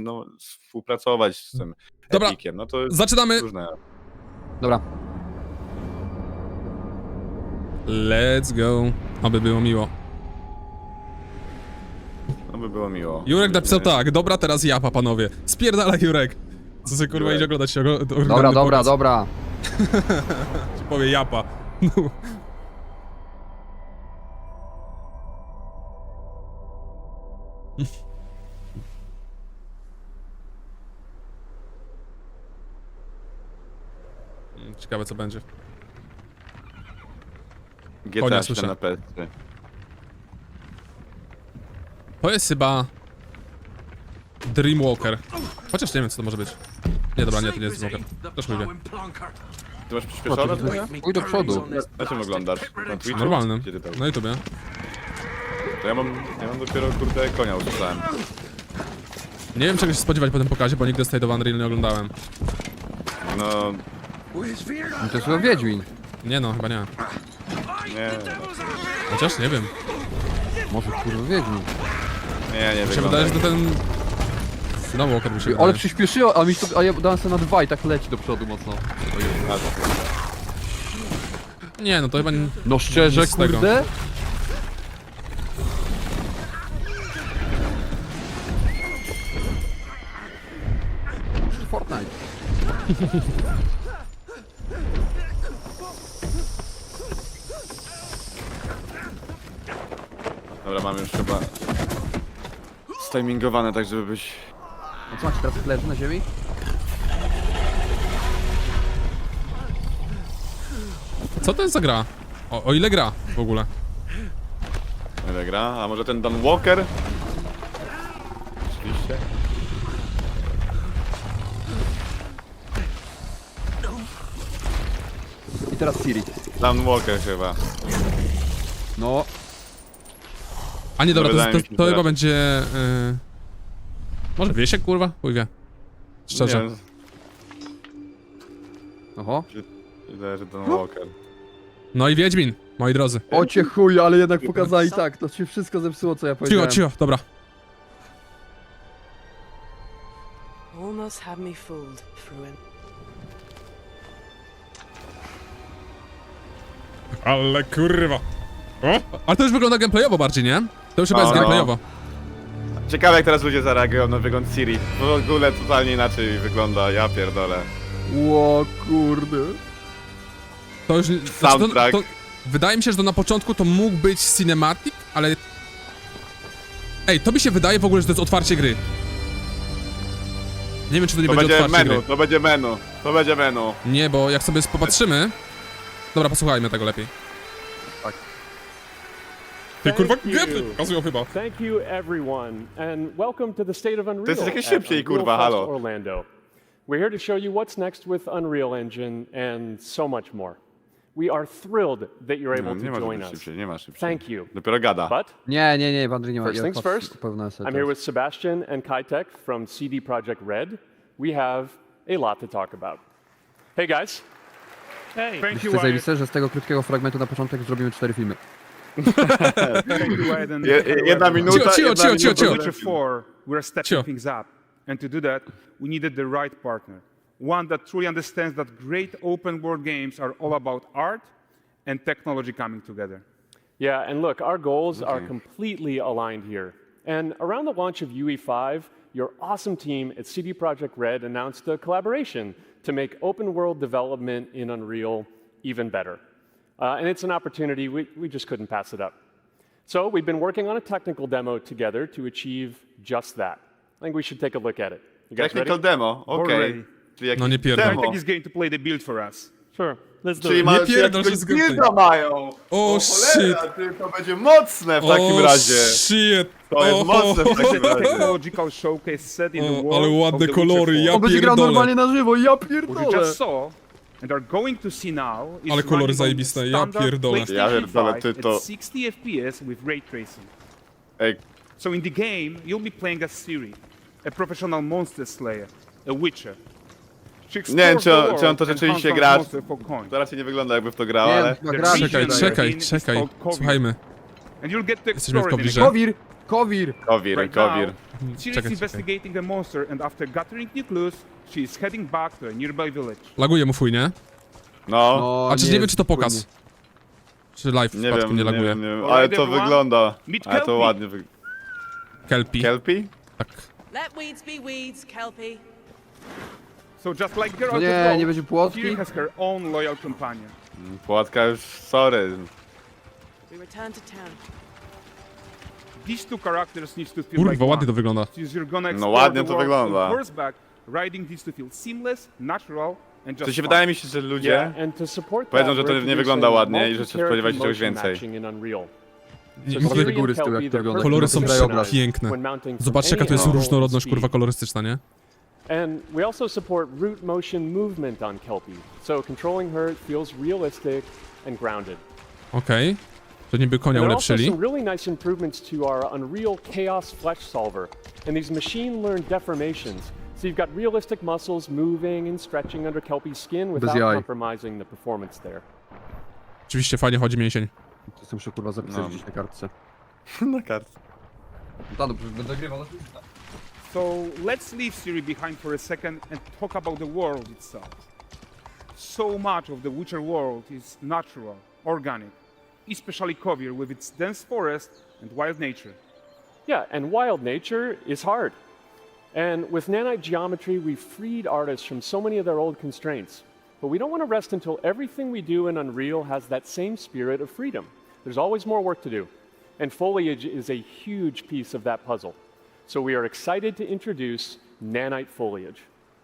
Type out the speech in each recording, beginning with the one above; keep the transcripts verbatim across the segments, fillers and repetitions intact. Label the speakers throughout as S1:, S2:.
S1: no, współpracować z tym
S2: Dobra,
S1: Epiciem, no to jest
S2: zaczynamy.
S1: różne.
S3: Dobra.
S2: Let's go. Aby było miło.
S1: No by było miło.
S2: Jurek napisał tak, dobra, teraz japa, panowie. Spierdala Jurek. Co sobie kurwa
S1: Jurek.
S2: idzie oglądać się ogl- oglądamy
S3: Dobra, dobra,
S2: pokaz.
S3: dobra.
S2: Ci powie japa. No. Ciekawe co będzie.
S1: G
S2: Konia
S1: T A
S2: słyszę.
S1: siedem na P S trzy.
S2: To jest chyba... Dreamwalker. Chociaż nie wiem co to może być. Nie, dobra, nie, to nie jest Dreamwalker. Też mówię.
S1: Ty masz przyspieszone trochę?
S3: Pójdź do przodu.
S1: Na czym oglądasz? Na Twitchu?
S2: Normalnym.
S1: Gdzie ty to?
S2: Na YouTubie.
S1: To ja mam, ja mam dopiero kurde konia usłyszałem.
S2: Nie wiem czego się spodziewać po tym pokazie, bo nigdy State of Unreal nie oglądałem.
S1: No,
S3: No to jest chyba Wiedźmin.
S2: Nie no, chyba nie.
S1: nie,
S2: Chociaż nie wiem.
S3: Może kurwa Wiedźmin.
S1: nie, nie
S2: Mi się
S1: wygląda.
S2: wydaje, że to ten... Dreamwalker mi się wydaje.
S3: Ale przyspieszyło, a mi to, a ja dałem sobie na dwa i tak leci do przodu mocno.
S1: A, to-
S2: Nie no, to chyba... nie-
S3: No szczerze,
S2: Nic z tego.
S3: kurde. Fortnite.
S1: Dobra, mam już chyba stimingowane tak, żeby być...
S3: A co macie teraz leży na ziemi?
S2: Co to jest za gra? O, o ile gra w ogóle?
S1: Ile gra? A może ten Don Walker? Oczywiście.
S3: I teraz Siri.
S1: Don Walker chyba.
S3: No,
S2: A nie, dobra, to,
S1: Wydaje
S2: to,
S1: mi się,
S2: to
S1: że
S2: chyba
S1: raczej.
S2: będzie... Yy... Może Wiesiek, kurwa? Chuj wie. Szczerze.
S1: Nie,
S3: oho.
S1: wydaje, że Don Walker.
S2: No i Wiedźmin, moi drodzy.
S3: O cię chuj, ale jednak pokazali tak, to się wszystko zepsuło co ja
S2: Cicho,
S3: powiedziałem.
S2: cicho, dobra.
S4: Almost had me fooled, Fruin.
S2: Ale kurwa. O? Ale to już wygląda gameplayowo bardziej, nie? To już chyba
S1: No,
S2: jest
S1: no.
S2: gameplayowo.
S1: Ciekawe jak teraz ludzie zareagują na wygląd Siri. W ogóle totalnie inaczej wygląda, ja pierdolę.
S3: Ło kurde.
S2: To już... Znaczy to,
S1: Soundtrack.
S2: to, wydaje mi się, że to na początku to mógł być cinematic, ale... Ej, to mi się wydaje w ogóle, że to jest otwarcie gry. Nie wiem, czy to nie
S1: To
S2: będzie,
S1: będzie
S2: otwarcie
S1: menu,
S2: gry.
S1: to będzie menu, to będzie menu.
S2: Nie, bo jak sobie popatrzymy... Dobra, posłuchajmy tego lepiej. Ty kurwa,
S5: Thank you.
S2: gameplay pokazują chyba.
S5: Thank you, everyone, and welcome to the State of Unreal.
S1: To jest jakieś
S5: at
S1: szybciej,
S5: Unreal
S1: kurwa,
S5: Fest
S1: halo.
S5: Orlando. We're here to show you what's next with Unreal Engine and so much more. We are thrilled that you're
S1: No,
S5: able
S1: nie
S5: to
S1: ma
S5: join
S1: żeby
S5: us.
S1: szybciej, nie ma szybciej.
S5: Thank you.
S1: Dopiero gada.
S5: But
S3: Nie, nie, nie, Wandry nie ma.
S5: First
S3: ja
S5: things
S3: patrzę-
S5: first,
S3: pełna
S5: I'm here with Sebastian and Kitek from C D Projekt Red. We have a lot to talk about. Hey guys.
S6: Hey, thank
S3: Myślę,
S6: you, Wyatt.
S3: zajebiste, że z tego krótkiego fragmentu na początek zrobimy cztery filmy.
S6: Thank you, Wyatt. And
S1: Je, jedna minuta,
S2: Cicho, cicho,
S1: jedna
S2: cicho, cicho,
S1: minuta.
S2: cicho.
S6: Witcher four, we're stepping
S2: Sure.
S6: things up. And to do that, we needed the right partner. One that truly understands that great open world games are all about art and technology coming together.
S5: Yeah, and look, our goals are completely aligned here. And around the launch of U E five, your awesome team at C D Projekt Red announced a collaboration to make open world development in Unreal even better. Uh, and it's an opportunity, we, we just couldn't pass it up. So we've been working on a technical demo together to achieve just that. I think we should take a look at it. You guys
S1: Technical
S5: ready?
S1: demo, okej.
S6: Already.
S1: Czyli jakiś
S2: No nie pierdol.
S1: demo.
S6: Kitek is going to play the build for us.
S5: Sure, let's do
S1: Czyli
S5: it.
S1: mają
S2: Nie pierdol,
S1: jakiegoś
S2: wszystko
S1: builda mają.
S2: O,
S1: cholera, ty, to będzie mocne w takim
S2: o,
S1: razie.
S2: shit.
S1: To jest
S2: O,
S1: mocne w
S6: It's
S1: takim
S6: a
S1: razie.
S6: technological showcase set in the
S2: O,
S6: world
S2: ale
S6: of
S2: ładne
S6: The
S2: kolory,
S6: Witcher
S2: ja
S6: four.
S3: On będzie grał
S2: pierdolę.
S3: normalnie na żywo, ja
S6: What you
S3: pierdolę.
S6: just saw and are going to see now is
S2: Ale kolory
S6: running on
S2: zajebiste, ja
S6: standard
S2: pierdolę.
S1: Ja
S6: PlayStation
S1: pierdolę,
S6: five
S1: ty to-
S6: at sixty F P S with ray tracing.
S1: Ej,
S6: So in the game, you'll be playing as Ciri, a professional monster slayer, a witcher. She
S1: Nie wiem, czy on-
S6: explores
S1: czy on to
S6: the world
S1: rzeczywiście
S6: and
S1: gra.
S6: hunts monsters for coin.
S1: to raczej nie wygląda jakby w to grał,
S3: Nie,
S1: ale...
S3: chyba
S6: The
S3: gra.
S6: region
S2: Czekaj,
S6: you're
S2: czekaj,
S6: in is
S2: czekaj.
S6: called Kovir.
S2: Słuchajmy.
S6: And you'll get to
S2: Jesteśmy w
S6: explore it in
S2: Kowirze.
S6: the game.
S3: Kowir! Kowir!
S1: Kowir,
S6: Right
S1: kowir.
S6: now, Ciri is
S2: Czekaj, czekaj.
S6: investigating the monster, and after gathering new clues, she is heading back to a nearby village.
S2: Laguje mu fuj, nie?
S1: No,
S3: No,
S2: A czy nie, wiem,
S3: jest
S2: czy to pokaz?
S3: płynnie.
S2: Czy live w
S1: nie
S2: przypadku
S1: wiem,
S2: nie
S1: nie
S2: laguje?
S1: wiem, nie wiem,
S6: Alright,
S1: ale to
S6: everyone.
S1: wygląda.
S6: Meet
S1: Ale to
S6: Kelpie.
S1: ładnie wygląda.
S2: Kelpi.
S1: Kelpie?
S2: Tak.
S4: Let weeds be weeds, Kelpie.
S6: So just like Geralt
S3: No
S6: of
S3: nie,
S6: Rivia,
S3: nie będzie płotki?
S6: Ciri has her own loyal companion.
S1: Płatka już, sorry.
S4: We return to town.
S6: These two characters need to feel like
S2: Kurwa, ładnie to
S6: one.
S2: wygląda.
S6: Since you're gonna
S1: No
S6: explore
S1: ładnie
S6: the
S1: to
S6: world
S1: wygląda.
S6: on horseback, riding needs to feel seamless, natural, and just
S1: To się
S6: fun.
S1: wydaje mi się, że ludzie...
S5: Yeah, and to support
S1: Powiedzą,
S5: that,
S1: że to
S5: we're
S1: nie wygląda
S5: introducing
S1: ładnie i że się
S5: multi-character
S1: spodziewać czegoś
S5: motion
S1: więcej.
S5: matching in Unreal.
S2: Nie,
S5: So
S2: nie,
S3: Pokaż
S5: Ciri
S3: do góry
S5: and
S3: z tyłu, jak
S5: Kelpie,
S3: to
S5: they're
S3: wygląda.
S2: Kolory są
S5: perfectly synchronized
S2: piękne.
S5: when mounting from
S2: Zobaczcie, jaka
S5: any
S2: to jest
S5: angle
S2: różnorodność,
S5: and
S2: kurwa,
S5: speed.
S2: kolorystyczna, nie?
S5: And we also support root motion movement on Kelpie, so controlling her feels realistic and grounded.
S2: Okej. To niby konia
S5: And there are also
S2: ulepszyli.
S5: some really nice improvements to our Unreal Chaos Flesh Solver and these machine-learned deformations. So you've got realistic muscles moving and stretching under Kelpie's skin without
S3: jaj.
S5: compromising the performance there.
S2: Oczywiście fajnie chodzi mięsień.
S3: To sobie muszę kurwa zapisać
S1: No.
S3: gdzieś na kartce.
S1: Na kartce.
S3: Tak, dobrze, będę grywał na Twitcha.
S6: So let's leave Ciri behind for a second and talk about the world itself. So much of the Witcher world is natural, organic, especially Kovir with its dense forest and wild nature.
S5: Yeah, and wild nature is hard. And with nanite geometry, we've freed artists from so many of their old constraints. But we don't want to rest until everything we do in Unreal has that same spirit of freedom. There's always more work to do. And foliage is a huge piece of that puzzle. So we are excited to introduce nanite foliage.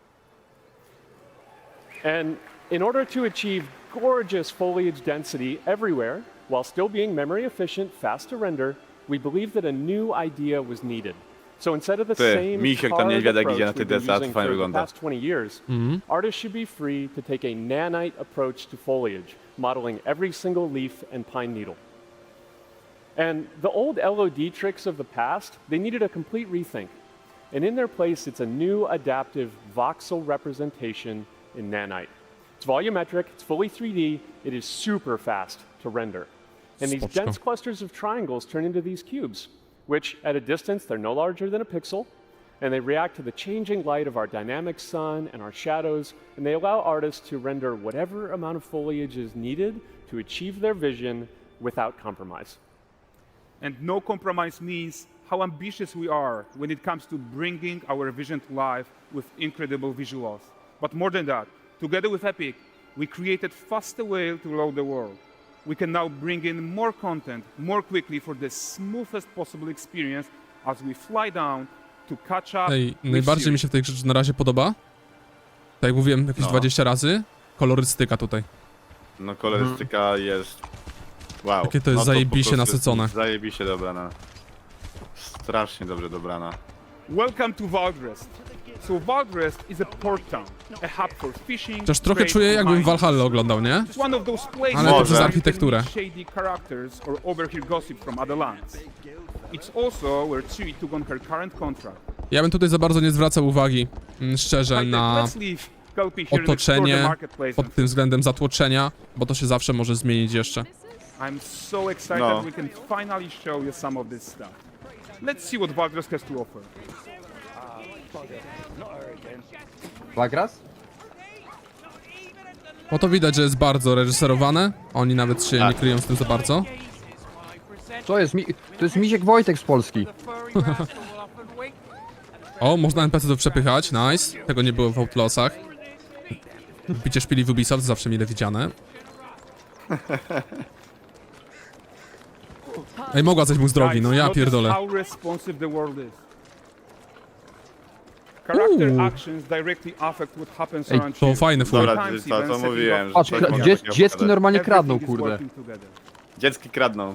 S5: And in order to achieve gorgeous foliage density everywhere, while still being memory efficient, fast to render, we believe that a new idea was needed. So instead of the
S1: Ty,
S5: same
S1: misiek tam
S5: carved
S1: niedźwiadek
S5: approach
S1: idzie na
S5: we've
S1: tych
S5: been
S1: desach,
S5: using
S1: fajnie
S5: for the
S1: wygląda.
S5: past twenty years, artists should be free to take a nanite approach to foliage, modeling every single leaf and pine needle. And the old L O D tricks of the past, they needed a complete rethink. And in their place, it's a new adaptive voxel representation in nanite. It's volumetric, it's fully three D, it is super fast to render. And these
S2: Spoczko.
S5: dense clusters of triangles turn into these cubes, which at a distance, they're no larger than a pixel, and they react to the changing light of our dynamic sun and our shadows, and they allow artists to render whatever amount of foliage is needed to achieve their vision without compromise.
S6: And no compromise means how ambitious we are when it comes to bringing our vision to life with incredible visuals. But more than that, together with Epic, we created faster way to load the world. We can now bring in more content more quickly for the smoothest possible experience as we fly down to catch up
S2: Ej,
S6: with
S2: najbardziej
S6: Ciri.
S2: mi się w tej grze na razie podoba. Tak jak mówiłem jakieś
S1: No.
S2: dwadzieścia razy. Kolorystyka tutaj.
S1: No kolorystyka jest... Wow.
S2: Jakie to jest
S1: no
S2: zajebiście
S1: po prostu
S2: nasycone.
S1: jest Zajebiście dobrana. Strasznie dobrze dobrana.
S6: Welcome to Valdrest. So Valdrest is a port town, a hub for fishing.
S2: Chociaż trochę
S6: trade,
S2: czuję
S6: and
S2: jakbym
S6: mining.
S2: Valhalla oglądał, nie?
S6: It's one of those places
S2: Ale to
S1: przez
S6: where you
S2: architekturę.
S6: can meet shady characters or overhear gossip from other lands. It's also where Ciri took on her current contract.
S2: Ja bym tutaj za bardzo nie zwracał uwagi, mm, szczerze,
S6: Like,
S2: na
S6: let's leave Kelpie here and explore the
S2: otoczenie
S6: marketplace.
S2: pod tym względem zatłoczenia, bo to się zawsze może zmienić jeszcze.
S6: I'm so excited
S1: No.
S6: we can finally show you some of this stuff. Let's see what Valdrest has to offer.
S3: Bagras?
S2: No to widać, że jest bardzo reżyserowane. Oni nawet się nie
S1: Tak.
S2: kryją z tym za bardzo.
S3: To jest mi... To jest Misiek Wojtek z Polski.
S2: O, można N P C-ów przepychać, nice. Tego nie było w Outlawsach. Bicie szpili w Ubisoft zawsze mile widziane. Ej, mogła coś mu z drogi, no ja
S6: Guys,
S2: pierdolę.
S6: notice how responsive the world is. Character
S2: Uuu.
S6: actions directly affect what happens
S3: Ej,
S6: around
S2: to
S6: you.
S2: fajne fuj.
S1: Dobra,
S6: Sometimes
S1: to, to
S6: even setting
S1: mówiłem,
S6: up-
S1: że
S3: Patrz,
S1: coś
S3: kra-
S1: mogę
S3: dziec,
S1: takiego
S3: dziecki
S1: pokazać.
S3: normalnie kradną,
S6: Everything is
S3: kurde.
S6: working together.
S1: Dziecki kradną.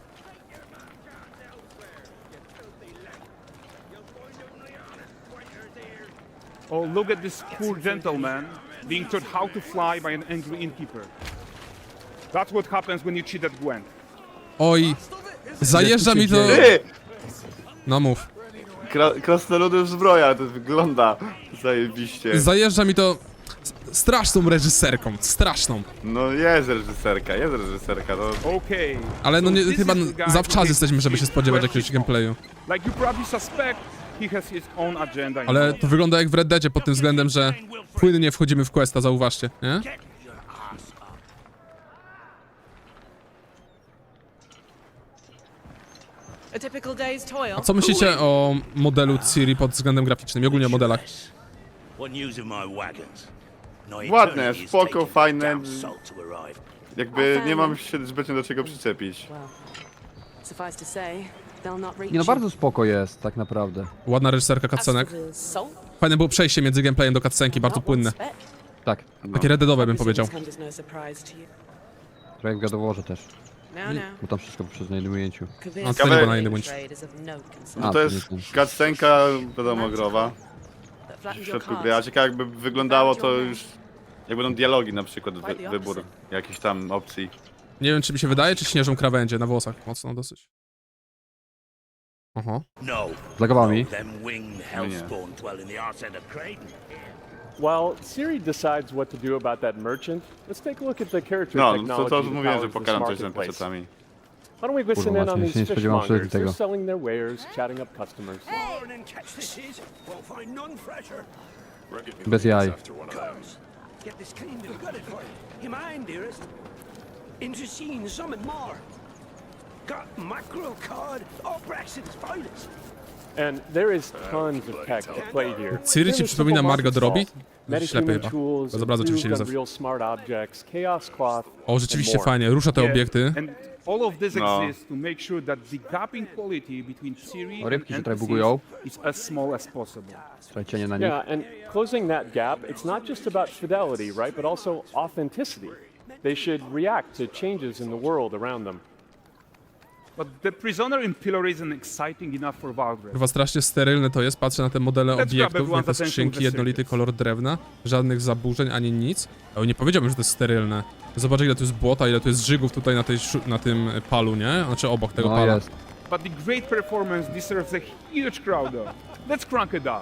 S6: Oh, look at this poor gentleman being taught how to fly by an angry innkeeper. That's what happens when you cheat at Gwent.
S2: Oj, zajeżdża mi to...
S1: Ty!
S2: No mów.
S1: Kra krasnoludów zbroja, to wygląda zajebiście.
S2: Zajeżdża mi to... s- straszną reżyserką, straszną.
S1: No jest reżyserka, jest reżyserka, to...
S6: Okay.
S2: Ale no
S6: so
S2: nie,
S6: this
S2: chyba
S6: is the guy who
S2: zawczas
S6: takes
S2: jesteśmy, żeby się
S6: shit
S2: spodziewać
S6: where
S2: jakiegoś
S6: she
S2: gameplayu.
S6: wants. Like you probably suspect, he has his own agenda. in
S2: Ale
S6: mind.
S2: to wygląda jak w Red Deadzie pod tym względem, że płynnie wchodzimy w questa, zauważcie, nie?
S4: A typical day's toil.
S2: A co myślicie o modelu Ciri pod względem graficznym i ogólnie o modelach?
S1: Ładne, spoko, fajne.
S7: fajne.
S1: Jakby nie mam się zbytnio do czego przyczepić.
S4: Well, suffice to say, they'll not reach
S3: Nie no,
S4: you.
S3: bardzo spoko jest, tak naprawdę.
S2: Ładna reżyserka
S4: As for
S2: cutscenek.
S4: the salt,
S2: Fajne było przejście między gameplayem do cutscenki, bardzo
S4: not one
S2: płynne.
S4: speck.
S3: Tak,
S2: Takie reddeadowe bym powiedział.
S4: This comes as no surprise to you.
S3: trochę w gadoworze też,
S4: No, no.
S3: bo tam wszystko przez na jednym ujęciu.
S4: Kavir
S2: A,
S1: to nie było
S2: na innym
S4: trade is of no concern.
S1: No
S3: A,
S1: to
S3: to
S1: jest
S3: nie ten.
S1: cutscenka, wiadomo, growa.
S4: That
S1: W
S4: flattens your
S1: środku gry, a
S4: cards.
S1: ciekawe jakby wyglądało to już... Jak będą dialogi na przykład, wy, wybór jakichś tam opcji.
S2: Nie wiem, czy mi się wydaje, czy śnieżą krawędzie na włosach. Mocno dosyć. Oho.
S7: No,
S3: Zlagowało mi.
S7: them winged hellspawn dwell in the arse end of Creighton.
S5: While Siri decides what to do about that merchant, let's take a look at the character
S1: No, to,
S5: technology
S1: to
S5: that
S1: mówiłem, że
S5: powers this
S1: pokażę coś nad
S5: marketplace.
S1: pecetami.
S5: Why don't we listen
S3: Kurwa,
S5: in on
S3: właśnie się nie
S5: these
S3: spodziewałem
S5: fishmongers?
S3: tego.
S5: They're selling their wares, chatting up customers.
S7: Born and catch this is, won't find none fresher.
S3: Bez jaj.
S7: Comes, get this cleaned and gutted for you. You mind, dearest? Into seeing something more. Got mackerel cod, all Brexit's finest.
S5: And there is tons of tech to play here.
S2: Ciri ci przypomina Margot Robbie?
S5: Many
S2: Ślepy
S5: human
S2: chyba.
S5: tools,
S2: Bez obrazu oczywiście
S5: improved
S2: widzę.
S5: Unreal smart objects, chaos cloth,
S2: O, rzeczywiście
S5: and more.
S2: fajnie, rusza te
S6: Yeah,
S2: obiekty.
S6: And all of this
S1: No.
S6: exists to make sure that the gap in quality between Siri
S3: O, rybki się
S6: and
S3: trochę
S6: N P Cs
S3: bugują.
S6: is as small as possible.
S3: Trochę cienie na nich.
S5: Yeah, and closing that gap, it's not just about fidelity, right, but also authenticity. They should react to changes in the world around them.
S6: But the prisoner in Pillar isn't exciting enough for Valgrind.
S2: Chyba strasznie sterylne to jest, patrzę na te modele
S6: Let's grab
S2: obiektów,
S6: everyone's
S2: jak te
S6: attention
S2: skrzynki,
S6: with the
S2: jednolity
S6: circuits.
S2: kolor drewna, żadnych zaburzeń ani nic. Ale nie powiedziałbym, że to jest sterylne. Zobacz, ile tu jest błota, ile tu jest żygów tutaj na, tej, szu- na tym palu, nie? Znaczy obok tego
S3: No
S2: pala.
S3: jest.
S6: But the great performance deserves a huge crowd though. Let's crank it up.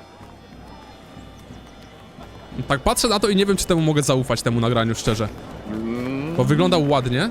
S2: Tak patrzę na to i nie wiem, czy temu mogę zaufać, temu nagraniu, szczerze. Bo wyglądał ładnie.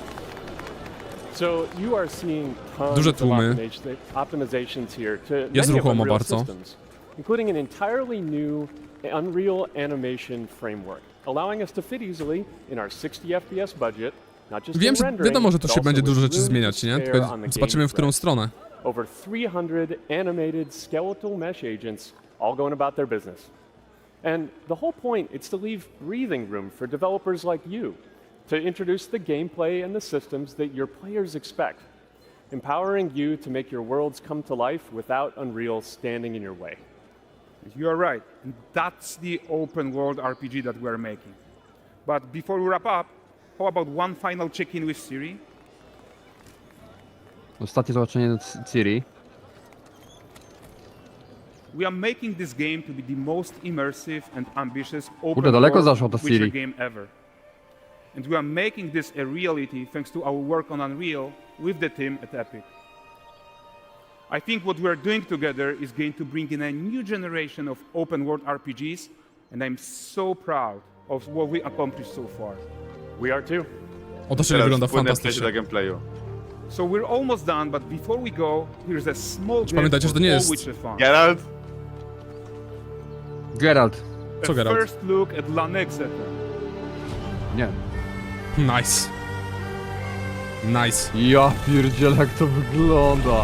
S5: So you are seeing tons
S2: Duże
S5: of
S2: tłumy.
S5: optimization- optimizations here to
S2: Jest
S5: many of
S2: ruchomo
S5: Unreal
S2: bardzo.
S5: systems, including an entirely new Unreal animation framework, allowing us to fit easily in our sixty F P S budget, not just
S2: Wiem,
S5: in
S2: że
S5: rendering,
S2: wiadomo, że tu
S5: but
S2: się
S5: also
S2: będzie
S5: with
S2: dużo rzeczy
S5: room to
S2: zmieniać, nie?
S5: spare
S2: Tylko
S5: on the
S2: zobaczymy, w którą
S5: game
S2: stronę.
S5: Over three hundred animated skeletal mesh agents, all going about their business. And the whole point is to leave breathing room for developers like you to introduce the gameplay and the systems that your players expect, empowering you to make your worlds come to life without Unreal standing in your way.
S6: You are right. And that's the open world R P G that we are making. But before we wrap up, how about one final check-in with Siri?
S3: Ostatnie zobaczenie C- Ciri.
S6: We are making this game to be the most immersive and ambitious open
S3: Kurde, daleko
S6: world
S3: zaszła ta
S6: Witcher
S3: Ciri.
S6: game ever. And we are making this a reality thanks to our work on Unreal with the team at Epic. I think what we are doing together is going to bring in a new generation of open world R P Gs, and I'm so proud of what we accomplished so far.
S5: We are too.
S2: Otoczenie
S1: Teraz
S2: wygląda
S1: płynne przejście
S2: fantastycznie.
S1: do gameplayu.
S6: So we're almost done, but before we go, here's a small glimpse
S2: pamiętajcie, że
S6: of
S2: to nie
S6: all
S2: jest-
S6: Witcher fun.
S1: Geralt?
S3: Geralt.
S2: Co
S6: A
S2: Geralt?
S6: first look at La Nexeta.
S3: Nie.
S2: Nice. Nice.
S3: Ja pierdzielę, jak to wygląda.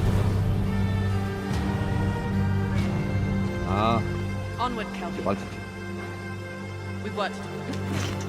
S3: A,
S4: Onward, Kelpie.
S3: walczyć.
S4: We've worked to do.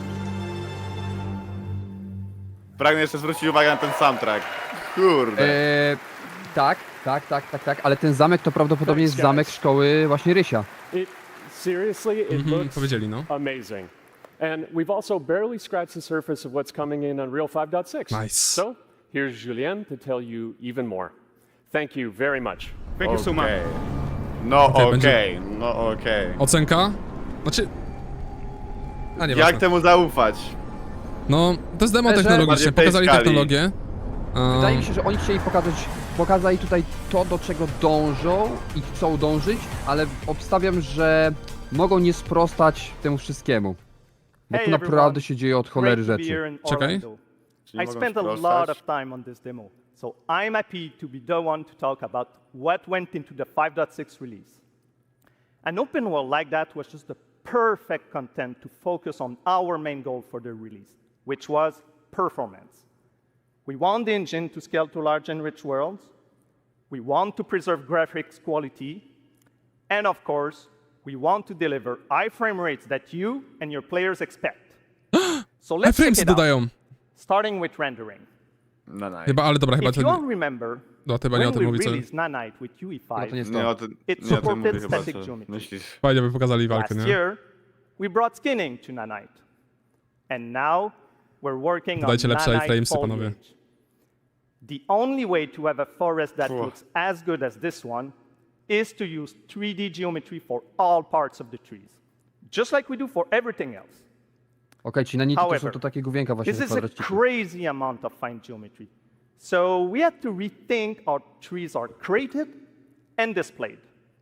S1: Pragnę jeszcze zwrócić uwagę na ten soundtrack. Kurde.
S3: Eee, tak, tak, tak, tak, tak, ale ten zamek to prawdopodobnie jest zamek szkoły właśnie Rysia.
S5: It seriously, it
S2: Mhm,
S5: looks
S2: powiedzieli, no.
S5: amazing. And we've also barely scratched the surface of what's coming in Unreal five point six.
S2: Nice.
S5: So here's Julien to tell you even more. Thank you very much.
S6: Thank you so much.
S1: Okej. No
S2: Okej,
S1: okej,
S2: będzie-
S1: no okej.
S2: Ocenka? Znaczy... A nie
S1: Jak
S2: ważne.
S1: temu zaufać?
S2: No, to jest demo
S3: Szczerze,
S2: technologicznie,
S1: bardziej tej
S2: pokazali
S1: skali.
S2: technologię. A,
S3: Wydaje mi się, że oni chcieli pokazać, pokazali tutaj to, do czego dążą i chcą dążyć, ale obstawiam, że mogą nie sprostać temu wszystkiemu. Bo
S8: Hey
S3: tu
S8: everyone.
S3: naprawdę się dzieje od cholery
S8: Great to be
S3: rzeczy.
S8: here in
S2: Czekaj.
S8: Orlando.
S1: Czy nie
S8: I
S1: mogą
S8: spent a
S1: sprostać?
S8: lot of time on this demo, so I'm happy to be the one to talk about what went into the five point six release. An open world like that was just the perfect content to focus on our main goal for the release, which was performance. We want the engine to scale to large and rich worlds. We want to preserve graphics quality. And of course, we want to deliver high frame rates that you and your players expect. So let's check
S2: Iframesy
S8: it out,
S2: dodają.
S8: starting with rendering.
S1: No, no.
S2: Chyba, ale dobra, chyba
S8: If you
S2: to
S8: all
S2: nie...
S8: remember,
S2: No, chyba nie o
S8: when
S2: tym
S8: we
S2: mówi, co...
S8: released Nanite with U E
S3: No to nie
S8: five,
S3: jest
S1: Nie o
S3: to.
S1: tym,
S8: It
S1: nie o tym
S8: supported
S1: mówię chyba,
S8: static
S1: co
S8: geometry.
S1: myślisz.
S2: Fajnie by pokazali walkę,
S8: last
S2: nie?
S8: year, we brought skinning to Nanite. And now, we're working on
S2: Dodajcie lepsze
S8: Nanite
S2: iframesy, panowie.
S8: foliage. The only way to have a forest that
S1: Phew.
S8: looks as good as this one is to use three D geometry for all parts of the trees, just like we do for everything else.
S3: Okej, ci nanity to są
S8: However,
S3: to takie główienka właśnie
S8: This
S3: w
S8: is a
S3: kwadraciku.
S8: crazy amount of fine geometry. So we had to rethink how trees are created and displayed.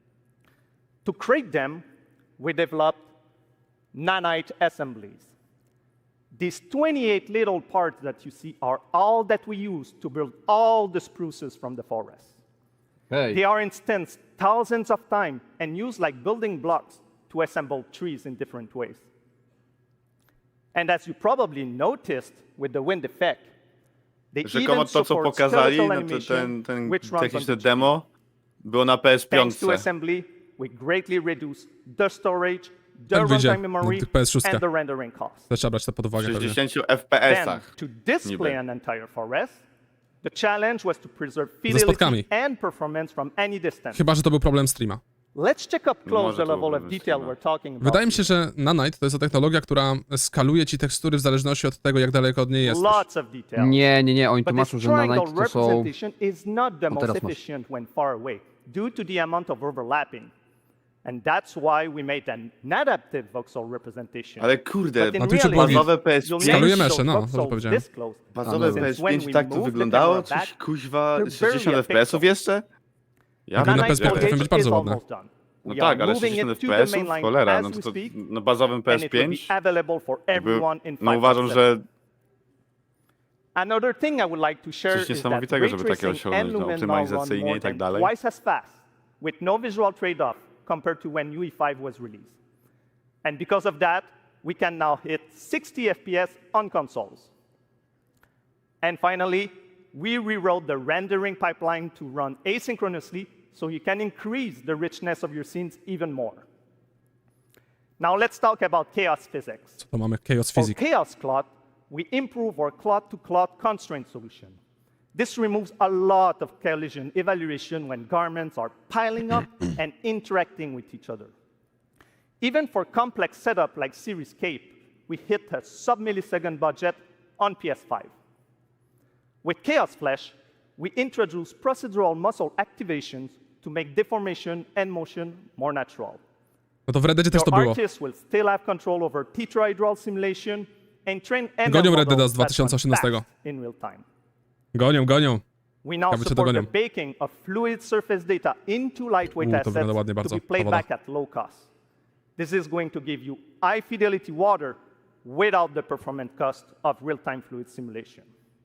S8: To create them, we developed nanite assemblies. These twenty-eight little parts that you see are all that we use to build all the spruces from the forest.
S3: Hej,
S8: They are instanced thousands of times and used like building blocks to assemble trees in different ways. And as you probably noticed with the wind effect, they
S1: Rzekomo
S8: even
S1: to, co
S8: support
S1: pokazali,
S8: skeletal
S1: no to
S8: animation,
S1: ten, ten
S8: which runs on
S1: techniczne
S8: the
S1: demo było na P S pięć.
S8: Thanks to assembly, we greatly reduce the storage, the
S2: Tak wyjdzie
S8: runtime memory,
S2: na tych P S sześć.
S8: and the rendering cost.
S2: Też trzeba brać to pod
S1: W
S2: uwagę pewnie.
S1: sześćdziesięciu
S8: Then,
S1: F P S-ach.
S8: to display
S1: niby.
S8: an entire forest, the challenge was to preserve
S2: spotkami.
S8: fidelity and performance from any distance.
S2: Chyba, że to był problem streama.
S8: Let's check up close
S1: Może
S8: the
S1: to
S8: level of
S1: był
S8: detail
S1: streama.
S8: we're talking about.
S2: Wydaje mi się, że Nanite to jest ta technologia, która skaluje ci tekstury w zależności od tego, jak daleko od niej jesteś.
S8: Lots of details.
S3: nie, nie, nie, oni
S8: But
S3: tłumaczą,
S8: this
S3: że nanite
S8: triangle
S3: to są...
S8: representation is not the most
S3: teraz masz.
S8: efficient when far away due to the amount of overlapping. And that's why we made an adaptive voxel representation.
S1: Ale kurde,
S8: But in
S2: Na Twitchu
S8: reality,
S1: bazowe P S
S8: you'll
S1: pięć,
S2: Skaluje
S8: never
S2: mesze,
S8: see
S2: no,
S8: those
S2: dobrze
S8: voxels
S2: powiedziałem.
S8: this close.
S1: bazowe
S3: Since
S1: P S
S8: when
S1: pięć
S8: we
S1: tak to
S8: move the
S1: wyglądało?
S8: camera
S1: Coś
S8: back,
S1: kuźwa,
S8: they're barely
S1: sześćdziesiąt
S8: a
S1: F P S-ów
S8: pixel.
S1: jeszcze? Ja
S2: Mogli na
S8: Nanite
S2: P S pięć
S8: foliage
S2: być bardzo
S8: is
S2: ładne.
S8: almost done.
S1: No
S8: We
S1: tak,
S8: are
S1: ale
S8: moving
S1: sześćdziesiąt
S8: it to the main
S1: F P S-ów?
S8: line
S1: Cholera,
S8: as
S1: no
S8: we
S1: to, to
S8: speak,
S1: na bazowym P
S8: and
S1: S
S8: it will be
S1: pięć
S8: available for
S1: jakby,
S8: everyone in
S1: no uważam,
S8: five point seven.
S1: że
S8: Another thing I would like to share
S1: Coś
S8: is that
S1: niesamowitego,
S8: ray
S1: żeby takie
S8: tracing
S1: osiągnąć,
S8: and
S1: no,
S8: Lumen now
S1: optymalizacyjnie
S8: run more
S1: i tak
S8: than
S1: dalej.
S8: twice as fast, with no visual trade-off compared to when U E five was released. And because of that, we can now hit sixty F P S on consoles. And finally, we rewrote the rendering pipeline to run asynchronously so you can increase the richness of your scenes even more. Now let's talk about chaos physics.
S2: Co to mamy? Chaos
S8: For
S2: Physics.
S8: Chaos Cloth, we improve our cloth-to-cloth constraint solution. This removes a lot of collision evaluation when garments are piling up and interacting with each other. Even for complex setup like Series Cape, we hit a sub-millisecond budget on P S five. With Chaos Flash, we introduce procedural muscle activations to make deformation and motion more natural.
S2: No to w Red Deadzie też to
S8: Your
S2: było.
S8: artists will still have control over tetrahedral simulation and train M L
S2: Gonią Red Deada
S8: models
S2: z
S8: that run
S2: dwa tysiące osiemnastego.
S8: fast in real time.
S2: Gonią, gonią.
S8: We now
S2: Ciekawe, czy
S8: support the
S2: dogonią.
S8: baking of fluid surface data into lightweight
S2: U, to
S8: assets
S2: wygląda ładnie
S8: to
S2: bardzo,
S8: be
S2: ta
S8: played
S2: woda.
S8: back at low cost. This is going to give you high fidelity water without the performance cost of real-time fluid simulation.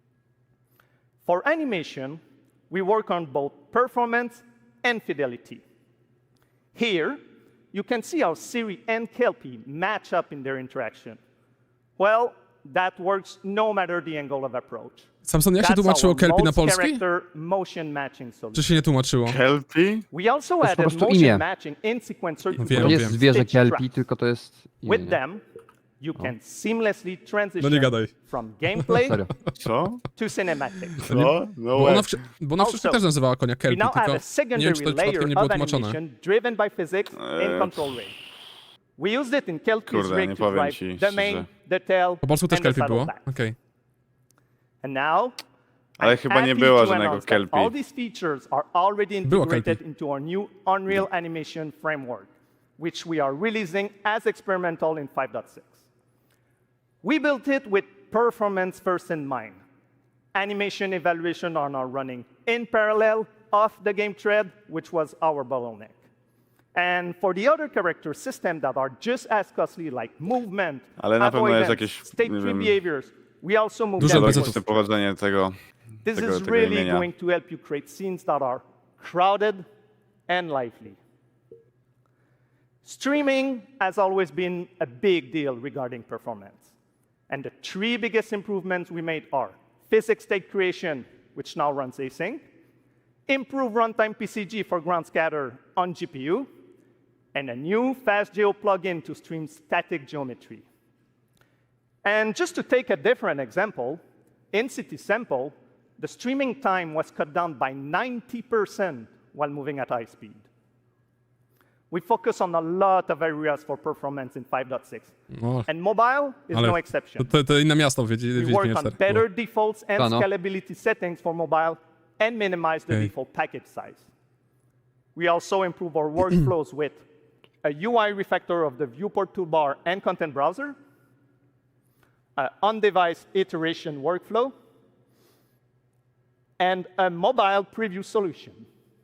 S8: For animation, we work on both performance and fidelity. Here, you can see how Siri and Kelpie match up in their interaction. Well, that works no matter the angle of approach.
S2: Samson, jak się
S8: That's
S2: tłumaczyło
S8: our
S2: Kelpie na
S8: most
S2: polski?
S8: character motion matching solution.
S2: Czy się nie tłumaczyło?
S1: Kelpie?
S8: We also
S3: To jest po
S8: added
S3: prostu
S8: motion
S3: imię.
S8: matching in sequencer to
S2: Wiem,
S3: To nie jest
S2: wiem.
S3: zwierzę
S8: stitch
S3: kelpie,
S8: tracks.
S3: tylko to jest imię,
S8: With
S3: nie?
S8: them, you can seamlessly
S2: No
S8: transition
S2: nie gadaj.
S8: from gameplay
S3: Serio.
S1: Co?
S8: to cinematic.
S1: Co? No
S2: Bo ona, w, krze- bo ona w książce
S8: Also,
S2: też nazywała konia
S8: We
S2: Kelpie,
S8: now have
S2: tylko
S8: a
S2: nie
S8: secondary
S2: wiem, czy to
S8: layer
S2: przypadkiem nie było
S8: of
S2: tłumaczone.
S8: animation driven by physics
S1: Eee.
S8: and control ray. We used it in Kelpie's
S1: Kurde,
S8: rig
S1: nie
S8: to
S1: powiem
S8: drive
S1: ci
S8: the main,
S1: szczerze.
S8: the tail,
S2: Po polsku też
S8: and the
S2: Kelpie było?
S8: saddleback.
S2: Okej.
S8: And now,
S1: Ale
S8: I'm
S1: chyba nie
S8: happy
S1: było
S8: to
S1: żadnego
S8: announce that
S1: Kelpie.
S8: all these features are already
S2: Było
S8: integrated
S2: Kelpie.
S8: into our new Unreal Animation framework, which we are releasing as experimental in five point six. We built it with performance first in mind. Animation evaluation are now running in parallel off the game thread, which was our bottleneck. And for the other character systems that are just as costly, like movement,
S1: Ale na pewno jest
S8: avoidance,
S1: jakieś,
S8: state
S1: nie
S8: tree
S1: wiem,
S8: behaviors, we also move
S2: Dużo
S8: them
S2: budżetów.
S8: forward.
S1: logiczne pochodzenie tego,
S8: This
S1: tego,
S8: is
S1: tego
S8: really
S1: imienia.
S8: going to help you create scenes that are crowded and lively. Streaming has always been a big deal regarding performance. And the three biggest improvements we made are physics state creation, which now runs async, improve runtime P C G for ground scatter on G P U, and a new FastGeo plugin to stream static geometry. And just to take a different example, in City Sample, the streaming time was cut down by ninety percent while moving at high speed. We focus on a lot of areas for performance in five point six.
S2: O,
S8: And mobile is
S2: ale
S8: no
S2: to,
S8: exception.
S2: to, to inne miasto w Wiedź-
S8: We
S2: Wiedźminie
S8: work on
S2: cztery.
S8: better
S2: było.
S8: defaults and
S3: Ah, no.
S8: scalability settings for mobile and minimize the
S2: Okay.
S8: default package size. We also improve our workflows with a U I refactor of the viewport toolbar and content browser, an on-device iteration workflow, and a mobile preview solution.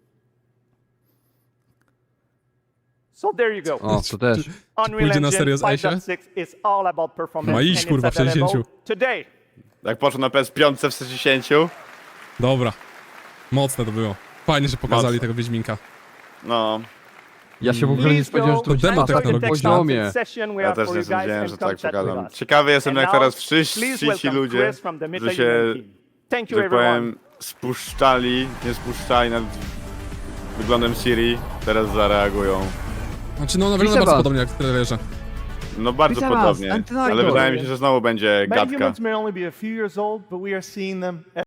S8: So there you go.
S3: O, to też.
S8: Unreal
S2: pójdzie na
S8: Engine
S2: serio z
S8: five
S2: Asia?
S8: point six is all about performance,
S2: Ma iść,
S8: and it's
S2: kurwa, w
S8: available
S2: sześćdziesięciu.
S8: today.
S1: Jak poszło na P S pięć w sześćdziesięciu,
S2: Dobra. Mocne to było. Fajnie, że pokazali
S1: Mocne.
S2: tego Wiedźminka.
S1: no,
S3: Ja się w ogóle nie
S8: Please
S3: spodziewałem, że
S8: go
S3: to
S2: demo
S3: będzie na takim
S2: technologiczne.
S3: poziomie.
S8: Session we
S1: ja
S8: have
S1: też
S8: for
S1: nie
S8: you guys
S1: sądziłem,
S8: and
S1: że
S8: come
S1: tak
S8: chat with
S1: pokażą.
S8: us.
S1: Ciekawy jestem,
S8: And
S1: jak
S8: now,
S1: teraz wszyscy
S8: please
S1: ci
S8: welcome
S1: ludzie,
S8: Chris from the
S1: że
S8: Metal
S1: się,
S8: Union team. Thank you,
S1: że
S8: everyone.
S1: powiem, spuszczali, nie spuszczali nad wyglądem Siri, teraz zareagują.
S2: Znaczy, no, ona wygląda
S3: Widzę
S2: bardzo
S3: was.
S2: podobnie jak w trailerze.
S1: No bardzo
S3: Widzę was,
S1: podobnie,
S3: Antonio.
S1: ale wydaje mi się, że znowu będzie gadka.
S9: Metahumans may only be a few years old, but we are seeing them